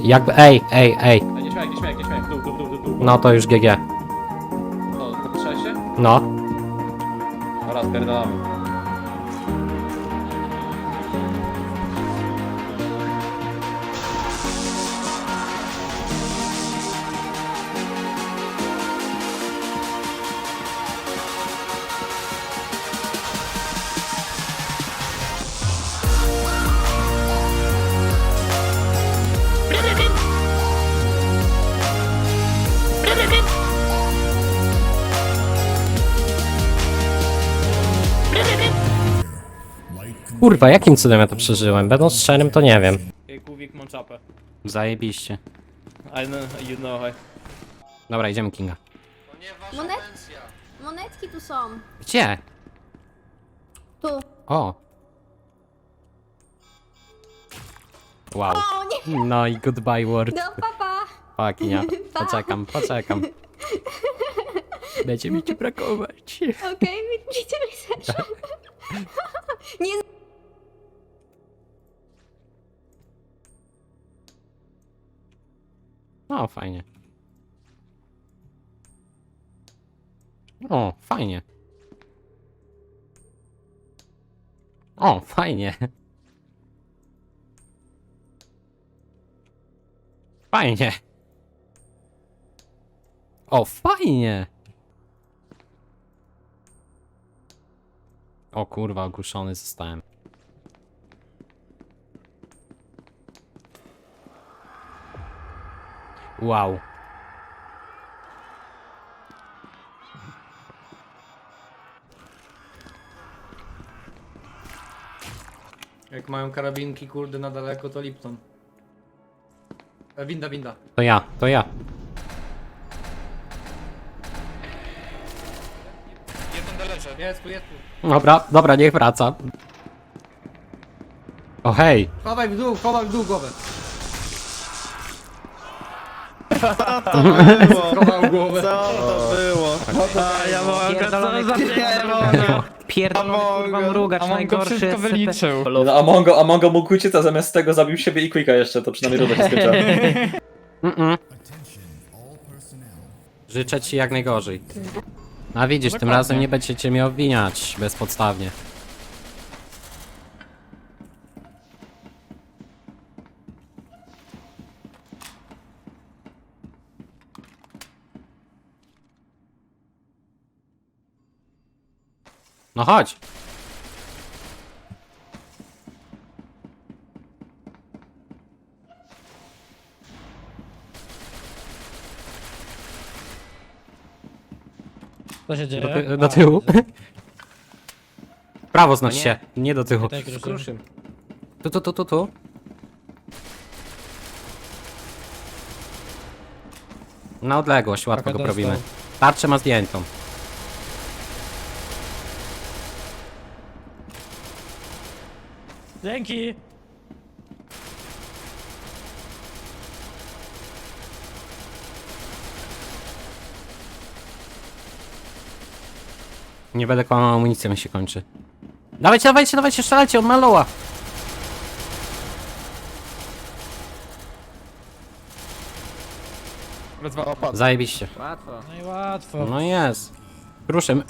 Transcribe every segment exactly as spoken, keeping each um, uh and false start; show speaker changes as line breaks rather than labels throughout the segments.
Jakby, ej, ej, ej.
Ej, nie śmiaj, nie śmiaj, nie śmiaj. Dół, dół, dół, dół, dół.
No to już G G.
No, popatrzałeś się?
No.
Dobra, spierdalamy.
Kurwa, jakim cudem ja to przeżyłem? Będąc szczerym, to nie wiem.
Ej, Kuwik, mam czapę.
Zajebiście.
I know, you know, I...
Dobra, idziemy Kinga.
Monet... Monetki tu są.
Gdzie?
Tu.
O. Wow.
O nie!
No i goodbye word.
No papa!
Fuck, nie.
Pa.
Poczekam, poczekam. Będzie mi ci brakować.
Okej, widzimy się. Nie...
O, fajnie. O, fajnie. O, fajnie. Fajnie. O, fajnie. O kurwa, ogłuszony zostałem. Wow.
Jak mają karabinki, kurde, na daleko, to Lipton. E, winda, winda.
To ja, to ja.
Jest tu, jest tu.
Dobra, dobra, niech wraca. O hej.
Chowaj w dół, chowaj w dół głowę. Chowam głowę.
Co to było? A ja mogę, co za pierdolę.
Pierdolony kurwa mrugacz, najgorszy S C P.
No, Amongo, Amongo mógł uciec, a zamiast tego zabił siebie i Quicka jeszcze, to przynajmniej runda się skończyła.
Mm-mm. Życzę ci jak najgorzej. A widzisz, tym razem nie będziecie mnie obwiniać bezpodstawnie. No chodź.
Co się dzieje?
Do, ty do tyłu. Prawo znać
nie.
się, nie do tyłu.
Tak, ruszym.
Tu, tu, tu, tu, tu. Na odległość, łatwo
Trochę
go
dostał.
probimy. Tarczę ma zdjętą.
Dzięki!
Nie będę kłamał, amunicja mi się kończy. Dawajcie, dawajcie, dawajcie, strzelajcie, on ma loa. Zajebiście.
No i łatwo.
No jest. Ruszem.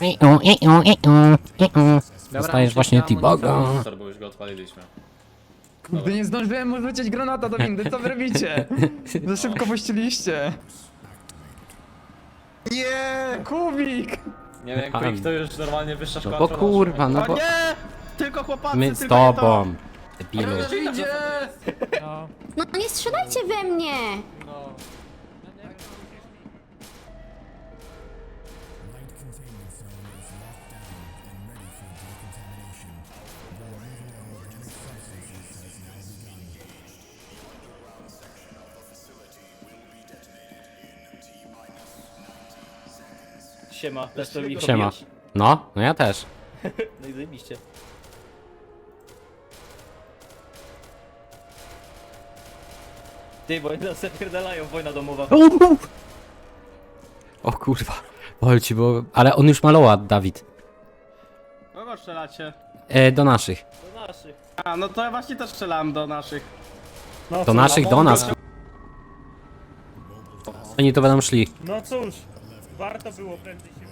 Dostajesz właśnie T-Boga.
Bo już go odpaliliśmy.
Kurde, nie zdążyłem mu rzucić granata do windy, co wy robicie? Za szybko puściliście. Nie! Kubik!
Nie wiem, Quick to już normalnie wyższa
No
szkoła.
bo
trollowania.
kurwa, no
O
bo
nie! Tylko chłopacy,
my z
tylko nie to.
tobą. Debilu.
Idzie!
No.
No nie strzelajcie we mnie!
Siema, też to mi
Siema. No, no ja też.
No i zajebiście. Ty, bo oni nas zapierdalają, wojna domowa.
O kurwa. Wolci, bo... Ale on już malował, Dawid.
Kogo strzelacie?
E, do naszych.
Do naszych.
A, no to ja właśnie też strzelałem do naszych.
Do naszych, do nas. Oni tu będą szli.
No cóż, warto było prędzej się...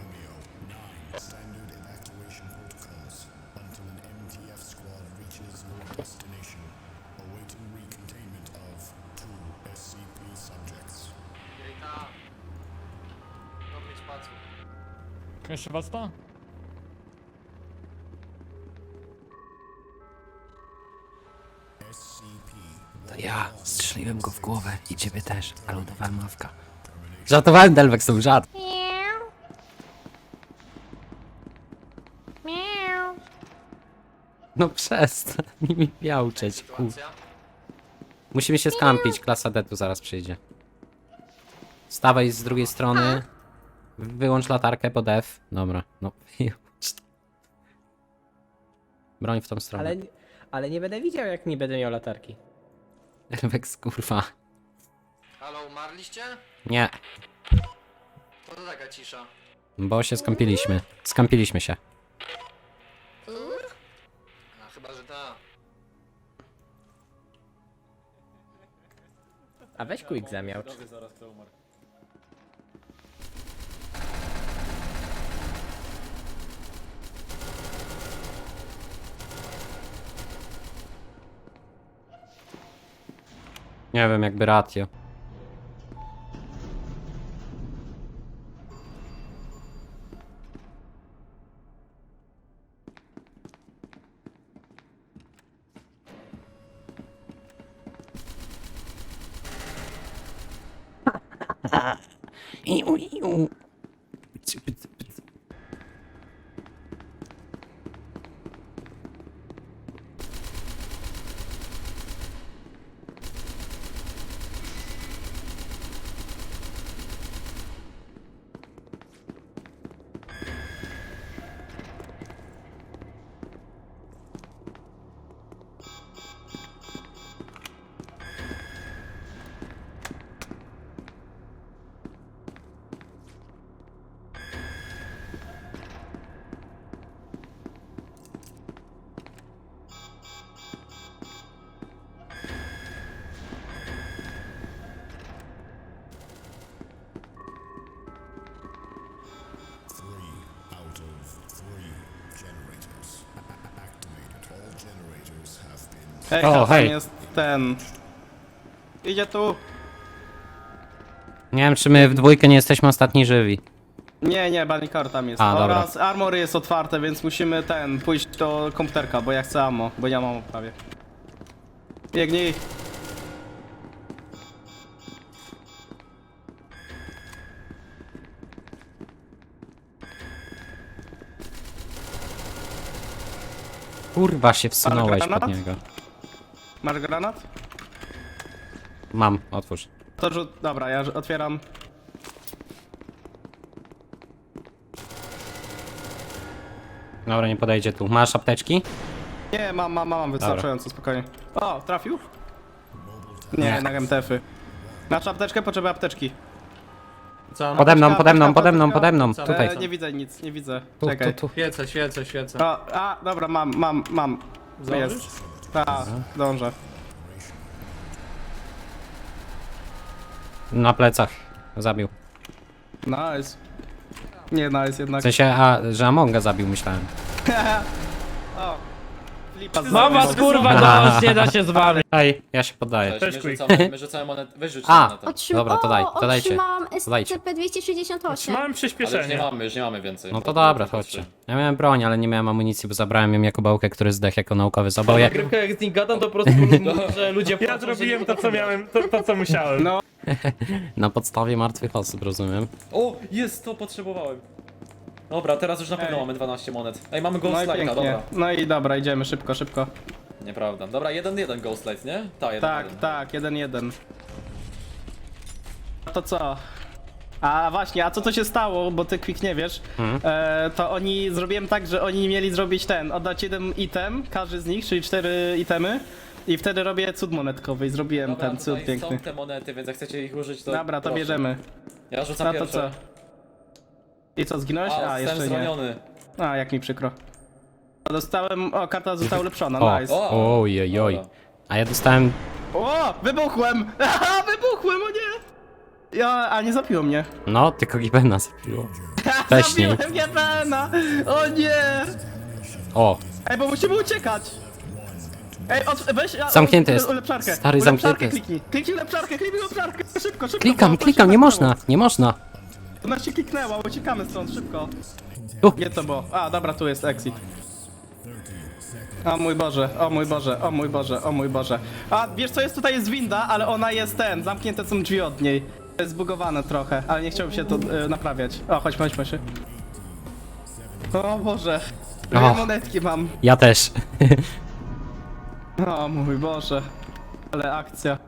Jeszcze was to?
To ja strzeliłem go w głowę i ciebie też, ale udawałem mawka. Żartowałem, Delvex, to był żart. No przestań mi miauczeć, kur... Musimy się skampić, klasa D tu zaraz przyjdzie. Stawaj z drugiej strony. Wyłącz latarkę pod F. Dobra, no wyłącz. Broń w tą stronę.
Ale, ale nie będę widział, jak nie będę miał latarki.
Delvex, kurwa.
Halo, umarliście?
Nie,
To to taka cisza.
bo się skampiliśmy. Skampiliśmy się.
A chyba, że ta.
A weź quick zamiałcz.
Zaraz kto umarł.
Nie wiem, jakby ratio. Iu, iu. Pyc, pyc, pyc.
Ej,
O,
tam
hej.
jest ten. Idzie tu.
Nie wiem, czy my w dwójkę nie jesteśmy ostatni żywi.
Nie, nie, Banikar tam jest.
A, dobra.
Oraz armory jest otwarte, więc musimy ten, pójść do komputerka, bo ja chcę ammo, bo ja mam prawie. Biegnij.
Kurwa się wsunąłeś pod
granat?
niego.
Masz granat?
Mam, otwórz.
To rzut, dobra, ja otwieram.
Dobra, nie podejdzie tu. Masz apteczki?
Nie, mam, mam, mam, wystarczająco, spokojnie. O, trafił? Nie,
Nie.
jednak M T F-y. Masz apteczkę? Potrzebuję apteczki.
Co?
Pode mną,
Apteczka,
pode mną,
apteczka,
pode mną,
apteczka.
pode mną.
Co?
Tutaj.
E, nie widzę nic, nie widzę.
Tu,
Czekaj.
tu, tu.
Świecę, świecę, świecę.
O, a, dobra, mam, mam, mam.
Zdążysz?
Jest. Tak, dążę.
Na plecach. Zabił.
Nice. Nie, nice jednak.
W sensie, a, że Amonga zabił, myślałem.
O, flipa
Mam was kurwa,
Aha.
no nie da się zwalić.
Ej, ja się poddaję.
Cześć, my
quick.
rzucamy, my rzucamy monetę. Weź rzuć
A.
monetę.
Otrzym...
Dobra, to daj,
o,
to dajcie.
otrzymałam
To dajcie.
S C P dwieście sześćdziesiąt osiem.
Trzymałem
Ale już nie
przyspieszenie.
mamy, już nie mamy więcej.
No to dobra, chodźcie. Ja miałem broń, ale nie miałem amunicji, bo zabrałem ją jako bałkę, który zdechł jako naukowy zaboje.
Nagrywka jak z nim gadam, to po prostu że ludzie
Ja zrobiłem to, co miałem, to, to co musiałem.
No,
Na podstawie martwych osób, rozumiem.
O, jest, to potrzebowałem. Dobra, teraz już na pewno
Ej.
mamy dwanaście monet. Ej, mamy
no
Ghost
i
Light'a,
pięknie.
dobra.
No i dobra, idziemy szybko, szybko.
Nieprawda. Dobra, jeden jeden Ghost Light, nie? Ta, jeden
Tak,
jeden.
tak, jeden jeden. To co? A właśnie, a co to się stało, bo ty Quick nie wiesz,
Mhm.
e, to oni, zrobiłem tak, że oni mieli zrobić ten, oddać jeden item, każdy z nich, czyli cztery itemy i wtedy robię cud monetkowy i zrobiłem
Dobra,
ten cud
tutaj
piękny.
są te monety, więc jak chcecie ich użyć, to
Dobra, to
proszę.
bierzemy.
Ja rzucam
No to
pierwsze.
co? I co, zginąłeś?
A,
A,
jestem
jeszcze nie.
zraniony.
A, jak mi przykro. Dostałem, o, karta została ulepszona,
O,
nice.
O,
ojej, oj.
dobra.
A ja dostałem...
O, wybuchłem! Aha, wybuchłem, o nie! Ja, a nie zabiło mnie.
No, tylko Gibena zabiło. Wcześniej.
Zabiłem Gebena! O nie!
O,
Ej, bo musimy uciekać! Ej, od, weź... a,
Zamknięty
u-
jest.
Ulepszarkę.
Stary,
Ulepszarkę
zamknięty jest.
Kliknij, kliknij ulepszarkę, kliknij ulepszarkę! Szybko, szybko!
klikam,
bo-
klikam, nie
bo-
można, nie można.
Ona się kliknęła, uciekamy stąd, szybko.
Tu.
Nie to było. A, dobra, tu jest exit. O mój Boże, o mój Boże, o mój Boże, o mój Boże. A, wiesz co, jest tutaj jest winda, ale ona jest ten, zamknięte są drzwi od niej. Jest zbugowane trochę, ale nie chciałbym się to y, naprawiać. O, chodź, chodź, chodź. O Boże. Dwie
Och.
monetki mam.
Ja też.
O mój Boże. Ale akcja.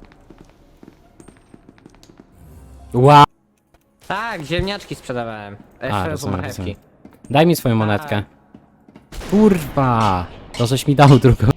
Wow.
Tak, ziemniaczki sprzedawałem.
A,
Jeszcze
rozumiem,
marchewki.
rozumiem. Daj mi swoją monetkę. Kurwa. To żeś mi dał drugą.